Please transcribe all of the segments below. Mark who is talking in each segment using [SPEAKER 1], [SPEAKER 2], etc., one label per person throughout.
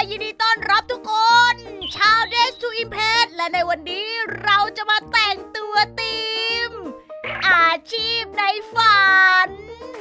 [SPEAKER 1] ยินดีต้อนรับทุกคน ชาว Days to Impress และในวันนี้เราจะมาแต่งตัวทีม อาชีพในฝัน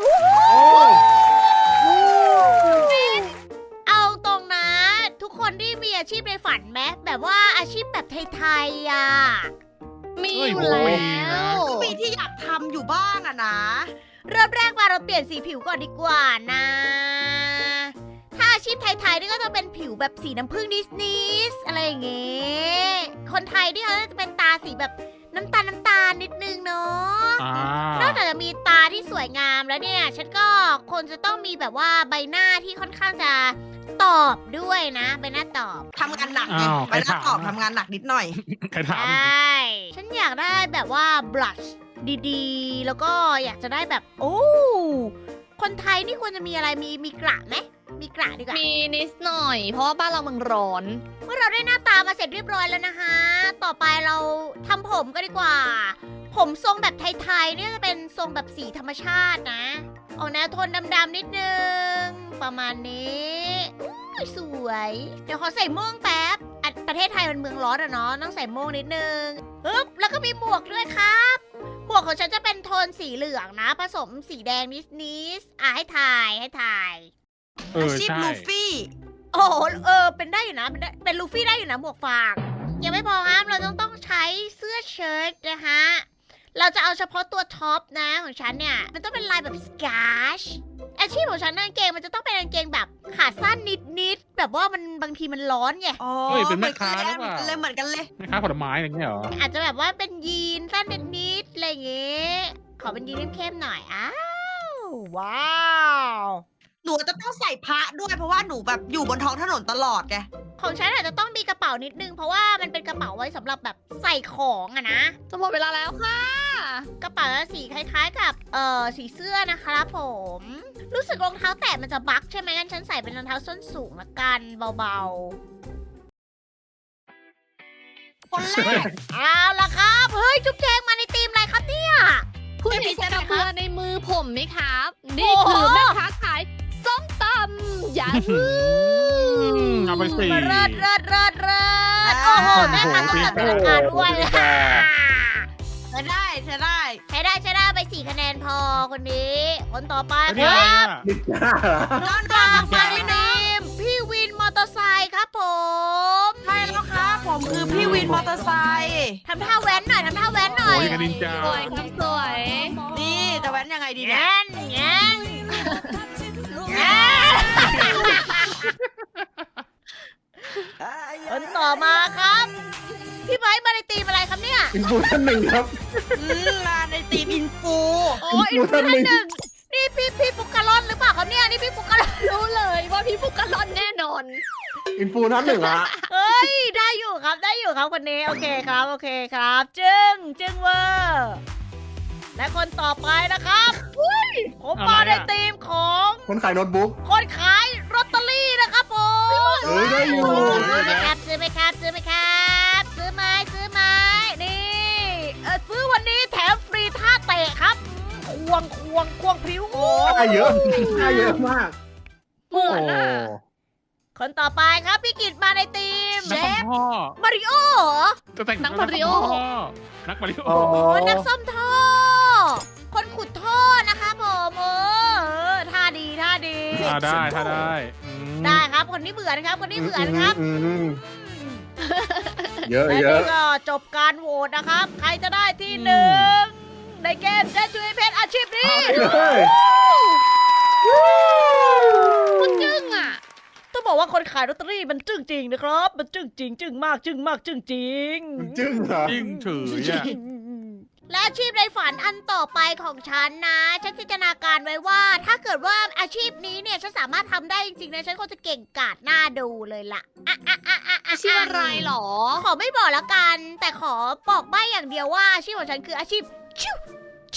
[SPEAKER 1] เอาตรงนะทุกคนที่มีอาชีพในฝันไหมแบบว่าอาชีพแบบไทยๆอ่ะ
[SPEAKER 2] มีอยู่แล้ว
[SPEAKER 3] ก็มีที่อยากทำอยู่บ้างอะนะ
[SPEAKER 1] เริ่มแรกมาเราเปลี่ยนสีผิวก่อนดีกว่านะ ถ้าอาชีพไทยๆนี่ก็จะเป็นผิวแบบสีน้ำผึ้งนิสๆอะไรอย่างเงี้ย คนไทยนี่เขาจะเป็นตาสีแบบน้ำตาลนิดนึงเนาะ นอกจากจะมีตาที่สวยงามแล้วเนี่ย ฉันก็คนจะต้องมีแบบว่าใบหน้าที่ค่อนข้างจะตอบด้วยนะ ใบหน้าตอบ
[SPEAKER 3] ทำงานหนักไง
[SPEAKER 4] อ้าว
[SPEAKER 3] ไปนัดตอบ
[SPEAKER 4] ใครถาม
[SPEAKER 3] ทำงานหนักนิดหน่อย
[SPEAKER 4] ใครถาม
[SPEAKER 1] ใช่ ฉันอยากได้แบบว่าบลัชดีๆ แล้วก็อยากจะได้แบบ โอ้ คนไทยนี่ควรจะมีอะไร มีกระไหม มีกระดีกว่า
[SPEAKER 2] มีนิดหน่อย เพราะว่าบ้านเราเมืองร้อน
[SPEAKER 1] เมื่อเราได้หน้าตามาเสร็จเรียบร้อยแล้วนะคะ ต่อไปเราทำผมก็ดีกว่า ผมทรงแบบไทยๆเนี่ยจะเป็นทรงแบบสีธรรมชาตินะออกแนวโทนดำๆนิดนึง ประมาณนี้อุ๊ยสวย เดี๋ยวขอใส่ม่วงแป๊บอ่ะประเทศไทยมันเมืองร้อนอะเนาะ ต้องใส่ม่วงนิดนึงปึ๊บแล้วก็มีหมวกด้วยครับ หมวกของฉันจะเป็นโทนสีเหลืองนะ ผสมสีแดงนิดๆให้ถ่าย
[SPEAKER 3] อาชีพ
[SPEAKER 4] ใช่
[SPEAKER 3] ลูฟี่
[SPEAKER 1] โอ้โหเป็นได้อยู่นะ เป็นลูฟี่ได้อยู่นะหมวกฟาง ยังไม่พอครับเราต้องใช้เสื้อเชิ้ตนะคะ เราจะเอาเฉพาะตัวท็อปนะของฉันเนี่ย มันต้องเป็นลายแบบสกาชอาชีพของฉันกางเกงมันจะต้องเป็นกางเกงแบบขาสั้นนิดๆ แบบว่ามันบางทีมันร้อนไง
[SPEAKER 3] อ๋อ
[SPEAKER 4] เฮ้ยเป็น
[SPEAKER 3] เหมื
[SPEAKER 4] แม่
[SPEAKER 3] อนกั
[SPEAKER 4] ค้าน ห
[SPEAKER 3] เล
[SPEAKER 4] รื
[SPEAKER 3] ย
[SPEAKER 4] อเปล่า
[SPEAKER 3] เหมือนกันเลย
[SPEAKER 4] แม่ค้าผลไม้อะไรเงี้ยเหรอ
[SPEAKER 1] อาจจะแบบว่าเป็นยีนสั้นนิดๆ อะไรอย่างเงี้ย ขอเป็นยีนเข้มๆหน่อย อ้าว ว้าว
[SPEAKER 3] หนูจะต้องใส่พระด้วยเพราะว่าหนูแบบอยู่บนท้องถนนตลอดไง
[SPEAKER 1] ของฉันอาจจะต้องมีกระเป๋านิดนึง เพราะว่ามันเป็นกระเป๋าไว้สำหรับแบบใส่ของอะนะ
[SPEAKER 2] จะหมดเวลาแล้วค่ะ
[SPEAKER 1] กระเป๋าสีคล้ายๆกับสีเสื้อนะครับผม รู้สึกรองเท้าแตะมันจะบั๊กใช่ไหมงั้นฉันใส่เป็นรองเท้าส้นสูงละกันเบา
[SPEAKER 3] คนแรก
[SPEAKER 1] ๆ เอาละครับ เฮ้ย จุ๊บแจงมาในทีมอะไรครับเนี่ย
[SPEAKER 2] คุณเห็น
[SPEAKER 3] เอพิเซนต์
[SPEAKER 2] กระ
[SPEAKER 3] อะไรคะ
[SPEAKER 2] เบือในมือผมไหมครับ นี่
[SPEAKER 1] โอ้โห
[SPEAKER 2] คือแม่ค้าขายส้มตำอย่า
[SPEAKER 4] เอาไปสิ
[SPEAKER 1] เลิศโอ้โหแม่ค้าต้องจัดเป็นราคาด้วย
[SPEAKER 3] เธอได้
[SPEAKER 1] ใช้ได้ไป4 คะแนนพอคนนี้ คนต่อไป
[SPEAKER 4] อัน
[SPEAKER 1] ค
[SPEAKER 4] นี้อะไร
[SPEAKER 1] รับ
[SPEAKER 4] อ่ะ
[SPEAKER 1] น้องดาวมาในทีมพี่วินมอเตอร์ไซค์ครับผม
[SPEAKER 3] ใช่แล้วครับผมคือพี่วินมอเตอร์ไซค์
[SPEAKER 1] ทำท่าแว้นหน่อย
[SPEAKER 4] โอ้ยกันนินจา
[SPEAKER 2] สวยครับสวย
[SPEAKER 3] นี่จะแว้นยังไงดีเนี่ย
[SPEAKER 1] แง้นคนต่อมาครับ พี่ไบร์ทมาในทีมอะไรครับเนี่ย
[SPEAKER 5] อินฟูท่านหนึ่งครับ
[SPEAKER 3] มาในทีมอินฟู
[SPEAKER 1] โอ้ยอินฟูท่านหนึ่งนี่พี่ปุกกะลอนหรือเปล่าครับเนี่ยนี่พี่ปุกกะลอน
[SPEAKER 2] รู้เลยว่าพี่ฟุกกะลอนแน่นอน
[SPEAKER 5] อินฟูท่านหนึ่งอะ
[SPEAKER 1] เฮ้ยได้อยู่ครับคนนี้โอเคครับจึงเวอร์และคนต่อไปนะครับผมมาในทีมของ
[SPEAKER 5] คนขายโน้ตบุ๊ก
[SPEAKER 1] คนขายลอตเตอรี่นะครับผม
[SPEAKER 5] เฮ้ยได้อยู่
[SPEAKER 1] ซื้อไหมครับซื้อไหมนี่ซื้อวันนี้แถมฟรีท่าเตะครับควงพริ้ว
[SPEAKER 5] ได้เยอะได้เยอะมาก
[SPEAKER 2] เหมือนอ่ะ
[SPEAKER 1] คนต่อไปครับพี่กิตมาในทีม
[SPEAKER 4] นักซ่อมท่อ
[SPEAKER 1] มาริโอเหรอ
[SPEAKER 4] จะแต่ง
[SPEAKER 2] นักมาริโอ
[SPEAKER 4] นักมาริโอ
[SPEAKER 5] อ๋อ
[SPEAKER 1] โอ้นักซ่อมท่อ คนขุดท่อนะคะผมท่าดี
[SPEAKER 4] ได้ถ้าได้อืม
[SPEAKER 1] ได้ครับคนนี้เบื่อนะครับ
[SPEAKER 5] อืมเยอะ
[SPEAKER 1] และ
[SPEAKER 5] เย
[SPEAKER 1] นี่
[SPEAKER 5] อะ
[SPEAKER 1] ก็จบการโหวตนะครับ ใครจะได้ที่หนึ่งในเกมเดจูเพชอาชีพนี้
[SPEAKER 5] เฮ้ย
[SPEAKER 2] มันจึ้งอ่ะ
[SPEAKER 1] ต้องบอกว่าคนขายลอตเตอรี่มันจึ้งจริงนะครับ มันจึ้งจริงจึ้งมากจึ้งจริง
[SPEAKER 5] มันจึ้งเหรอ
[SPEAKER 4] ยิ่งเฉยอ่ะ
[SPEAKER 1] และอาชีพในฝันอันต่อไปของฉันนะ ฉันจินตนาการไว้ว่า ถ้าเกิดว่าอาชีพนี้เนี่ยฉันสามารถทำได้จริงๆนะฉันคงจะเก่งกาจหน้าดูเลยล่ะ
[SPEAKER 2] อาชีพอะไรหรอ
[SPEAKER 1] ขอไม่บอกแล้วกัน แต่ขอบอกใบ้อย่างเดียวว่าอาชีพของฉันคืออาชีพชิว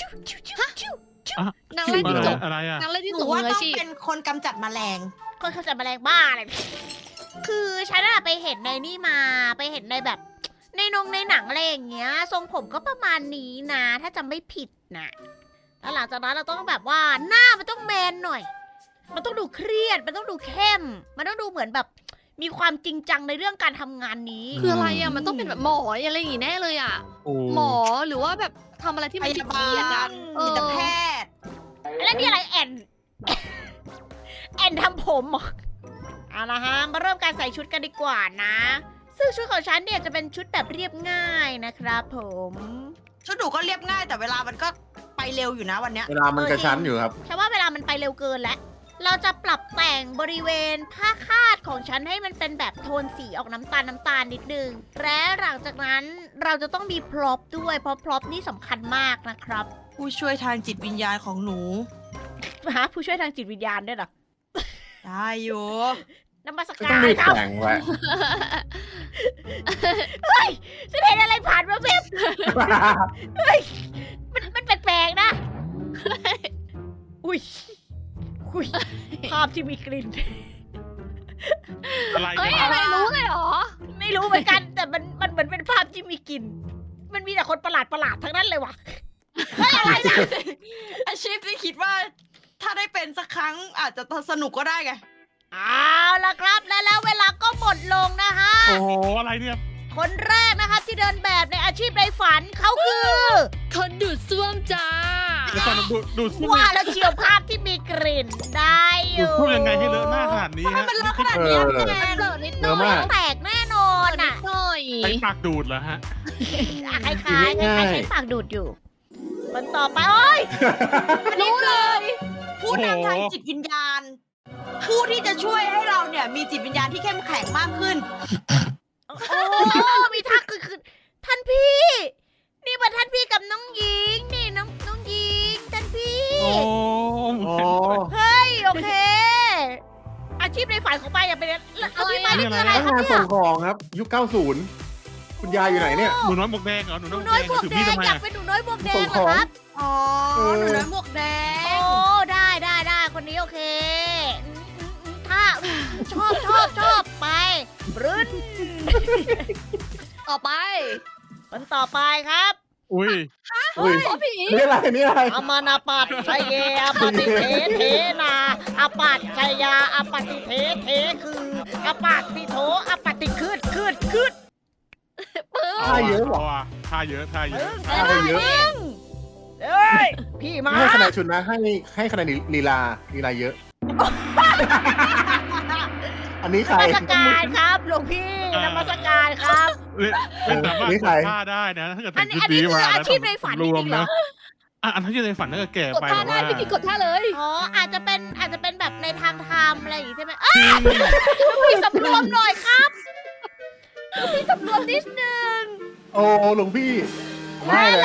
[SPEAKER 2] นางไล่จิ้งจก
[SPEAKER 4] อะไรอ่ะ
[SPEAKER 2] นางไล่จิ้ง
[SPEAKER 3] ห
[SPEAKER 2] จ
[SPEAKER 3] นู
[SPEAKER 2] ก
[SPEAKER 3] ว่า
[SPEAKER 2] มือ
[SPEAKER 3] ต้อ
[SPEAKER 2] อาง ชีพ
[SPEAKER 3] เป็นคนกำจัดแมลง
[SPEAKER 1] คนเขาจะแมลงบ้าอะไรคือฉันอะไปเห็นในนี่มาไปเห็นในแบบ ในหนังอะไรอย่างเงี้ย ทรงผมก็ประมาณนี้นะ ถ้าจำไม่ผิดนะแล้วหลังจากนั้นเราต้องแบบว่าหน้ามันต้องแมนหน่อย มันต้องดูเครียด มันต้องดูเข้ม มันต้องดูเหมือนแบบมีความจริงจังในเรื่องการทำงานนี้
[SPEAKER 2] คืออะไรอ่ะ มันต้องเป็นแบบหมออะไรอย่างงี้แน่เลยอ่ะ
[SPEAKER 4] โอ้
[SPEAKER 2] หมอหรือว่าแบบทำอะไรที่
[SPEAKER 3] พ
[SPEAKER 2] มัน
[SPEAKER 3] ยา
[SPEAKER 2] เค
[SPEAKER 3] บา
[SPEAKER 2] รียดๆอ่ะ
[SPEAKER 3] ลจิตแพทย์
[SPEAKER 1] แล้วนี่อะไรแอน แอนทำผมเหรอเอาละฮะ มาเริ่มการใส่ชุดกันดีกว่านะ ซึ่งชุดของฉันเนี่ยจะเป็นชุดแบบเรียบง่ายนะครับผม
[SPEAKER 3] ชุดหนูก็เรียบง่ายแต่เวลามันก็ไปเร็วอยู่นะวันเนี้ย
[SPEAKER 5] เวลามันกระชั้นอยู่ครับ
[SPEAKER 1] ฉันว่าเวลามันไปเร็วเกินแล้ว เราจะปรับแต่งบริเวณผ้าคาดของฉันให้มันเป็นแบบโทนสีออกน้ำตาลนิดนึง และหลังจากนั้นเราจะต้องมีพร็อพด้วย เพราะพร็อพนี่สำคัญมากนะครับ
[SPEAKER 3] ผู้ช่วยทางจิตวิญญาณของหนู
[SPEAKER 1] ฮะผู้ช่วยทางจิตวิญญาณด้วยเหรอ
[SPEAKER 3] ได้อยู่
[SPEAKER 1] นมัส
[SPEAKER 5] ก็
[SPEAKER 1] กา
[SPEAKER 5] ต้อง
[SPEAKER 1] ร
[SPEAKER 5] รีบ
[SPEAKER 1] ครับ
[SPEAKER 5] แต่งไว้
[SPEAKER 1] ฉันเห็นอะไรผ่านมาเว็บมันแปลกๆนะ อุ้ยภาพที่มีกลิ่น
[SPEAKER 4] อะไร
[SPEAKER 2] เฮ้ย
[SPEAKER 4] เนี่ย
[SPEAKER 2] อะไรรู้เลยเหรอ
[SPEAKER 1] ไม่รู้เหมือนกัน แต่มันเหมือนเป็นภาพที่มีกลิ่น มันมีแต่คนประหลาดทั้งนั้นเลยว่ะ
[SPEAKER 3] อาชีพที่คิดว่าถ้าได้เป็นสักครั้งอาจจะสนุกก็ได้ไง
[SPEAKER 1] เอาละครับแล้วเวลาก็หมดลงนะฮะ
[SPEAKER 4] โอ้โหอะไรเนี่ย
[SPEAKER 1] คนแรกนะครับที่เดินแบบในอาชีพในฝันเขาคือ
[SPEAKER 2] คนดูดซ่วมจ้า
[SPEAKER 4] เดี๋ยวก่อนดูดซ่วม
[SPEAKER 1] ว่าแล้วเชียวภาพที่มีกลิ่นได้อ
[SPEAKER 4] ดูด
[SPEAKER 1] ยู่
[SPEAKER 4] ซ่วมยังไงให้เลอะหน้าขนาดนี้
[SPEAKER 3] ทำไม
[SPEAKER 4] ฮะ
[SPEAKER 3] มันเลอะขนาดนี้อะพี่แจ
[SPEAKER 2] มัน
[SPEAKER 3] ง
[SPEAKER 2] เปิดนิดห
[SPEAKER 5] เย
[SPEAKER 2] น่อ
[SPEAKER 5] อะมาย ก
[SPEAKER 1] แตกแน่นอนอ่ะ
[SPEAKER 2] หน่อย
[SPEAKER 4] ใช้ปากดูดเหรอฮะ
[SPEAKER 1] คล้ายๆคล้ายๆใช้ปากดูดอยู่คนต่อไปโอ้ย
[SPEAKER 3] รู้เลย ผู้นำทางจิตวิญญาณ ผู้ที่จะช่วยให้เราเนี่ยมีจิตวิญญาณที่เข้มแข็งมากขึ้น
[SPEAKER 1] โอ้มีทักคือท่านพี่ นี่มาท่านพี่กับน้องหญิงนี่น้องหญิงท่านพี่
[SPEAKER 4] โอ้
[SPEAKER 5] โอ้
[SPEAKER 1] เฮ้ยโอเค อาชีพในฝันของปายอย่าเป็นเอาพี่มานี่คืออะไร
[SPEAKER 5] พนัก
[SPEAKER 1] ครับ
[SPEAKER 5] งาน
[SPEAKER 1] เนี่ย
[SPEAKER 5] ส่งของครับ ยุค 90 คุณยายอยู่ไหนเนี่ย
[SPEAKER 4] หนูน้อยหมวกแดงเหรอหนู
[SPEAKER 1] หนู
[SPEAKER 4] น้อย
[SPEAKER 1] น้อยหมวก
[SPEAKER 4] ถือ
[SPEAKER 1] แด
[SPEAKER 4] มีด
[SPEAKER 1] ง
[SPEAKER 4] ทำไม
[SPEAKER 1] อยาก
[SPEAKER 4] อะ
[SPEAKER 1] เป็นหนูน้อยหมวกแดง
[SPEAKER 5] ส่ง
[SPEAKER 1] เหร
[SPEAKER 5] ข
[SPEAKER 1] อ
[SPEAKER 5] อง
[SPEAKER 1] ครับ
[SPEAKER 3] อ๋อ หนูน้อยหมวกแด
[SPEAKER 1] โอ้
[SPEAKER 3] ง
[SPEAKER 1] ได้คนนี้โอเคถ้าชอบไปบรึ้น
[SPEAKER 2] ต่อไป
[SPEAKER 1] คนต่อไปครับ
[SPEAKER 4] อุ้ย
[SPEAKER 5] อุ้ย
[SPEAKER 2] โอ้ผี
[SPEAKER 5] นี่อะไรนี่อะไร
[SPEAKER 1] อามานาปัตชัยเยอปฏิเทเทนาอปัตชัยยาอปฏิเทเทคืออปัตติโถอปฏิคืด
[SPEAKER 5] ท่าเยอะเหรอ
[SPEAKER 4] ท่าเยอะท่าเยอะ
[SPEAKER 5] ท่าเยอะ
[SPEAKER 1] เอ้ยพี่มา
[SPEAKER 5] ไม่ให้คะแนนชุดนะ ให้คะแนนลีลาเยอะ อันนี้
[SPEAKER 1] น
[SPEAKER 5] ใคร
[SPEAKER 1] มัสการครับหลวงพี่นมัสการครับ
[SPEAKER 4] เป็นสามารถ
[SPEAKER 5] นี่
[SPEAKER 4] ก
[SPEAKER 5] ใคร
[SPEAKER 4] ดท่าได้นะถ้าเกิด
[SPEAKER 1] อั
[SPEAKER 4] แต่
[SPEAKER 1] น
[SPEAKER 4] ง
[SPEAKER 1] นี้
[SPEAKER 4] ชุด
[SPEAKER 1] อันนี้
[SPEAKER 4] นี้
[SPEAKER 1] คือ
[SPEAKER 4] มา
[SPEAKER 1] อาชีพในฝันจ
[SPEAKER 4] รว
[SPEAKER 1] ริ
[SPEAKER 4] ม
[SPEAKER 1] งๆเหร
[SPEAKER 4] นะ
[SPEAKER 1] อ
[SPEAKER 4] อันที่ในฝันถ้าเกิดแก่
[SPEAKER 2] กด
[SPEAKER 4] ไป
[SPEAKER 2] ท่า
[SPEAKER 4] แบบ
[SPEAKER 2] ได้
[SPEAKER 4] ว่า
[SPEAKER 2] พี่กิกดท่าเลย
[SPEAKER 1] อ๋ออาจจะเป็นแบบในทางธรรมอะไรอย่างงี้ใช่ไหมเอ้ย
[SPEAKER 4] จริง
[SPEAKER 1] พี่สำรวมหน่อยครับพี่สำรวมนิดนึง
[SPEAKER 5] โอ้หลวงพี่ ไม่เลย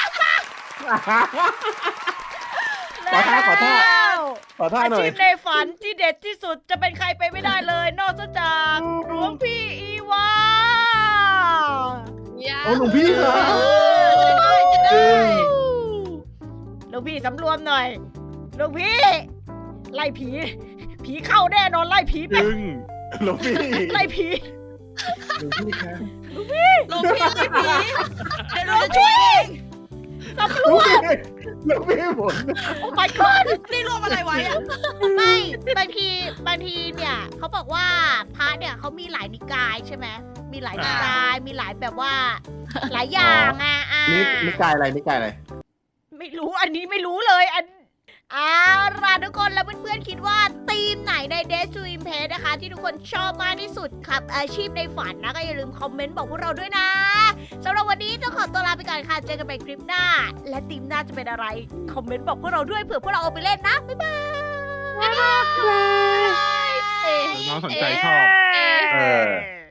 [SPEAKER 5] ขอท่า ขอท่า
[SPEAKER 1] แล้ว
[SPEAKER 5] ขอท่า
[SPEAKER 1] อา
[SPEAKER 5] หน่อย
[SPEAKER 1] ชีพในฝันที่เด็ดที่สุดจะเป็นใครไปไม่ได้เลย นอกจากหลวงพี่อีวา
[SPEAKER 5] โอ้หลวงพี่เหรอ
[SPEAKER 1] จะได้
[SPEAKER 5] จริง
[SPEAKER 1] หลวงพี่สำรวมหน่อยหลวงพี่ ไล่ผี ผีเข้าแน่นอนไล่ผีไป
[SPEAKER 4] จึง
[SPEAKER 5] หลวงพี่
[SPEAKER 1] ไล่ผี
[SPEAKER 5] หลวงพี่ครับ
[SPEAKER 3] หลวงพี่ไล่ผีเดี๋ยวหนูจะช่วยเอง
[SPEAKER 1] สำร
[SPEAKER 5] หลวง
[SPEAKER 1] วม
[SPEAKER 5] พี่หลวงพี่หมด
[SPEAKER 1] โอ้ my god
[SPEAKER 3] นี่รวมอะไรไว้อะ
[SPEAKER 1] ไม่บางทีเนี่ยเขาบอกว่าพระเนี่ยเขามีหลายนิกายใช่ไหมมีหลายนิกายมีหลายแบบว่า หลายอย่างอ่ะ
[SPEAKER 5] นี่กายอะไรนี่กายอะไร
[SPEAKER 1] ไม่รู้อันนี้ไม่รู้เลยล่ะทุกคนแล้วเพื่อนๆคิดว่าธีมไหนใน Days to Impress นะคะ ที่ทุกคนชอบมากที่สุดครับอาชีพในฝันนะก็อย่าลืมคอมเมนต์บอกพวกเราด้วยนะสำหรับวันนี้ต้องขอตัวลาไปก่อนค่ะเจอกันใหม่คลิปหน้า และธีมหน้าจะเป็นอะไรคอมเมนต์บอกพวกเราด้วยเผื่อพวกเราเอาไปเล่นนะบ๊ายบาย
[SPEAKER 4] น้องสนใจชอบ
[SPEAKER 5] เออ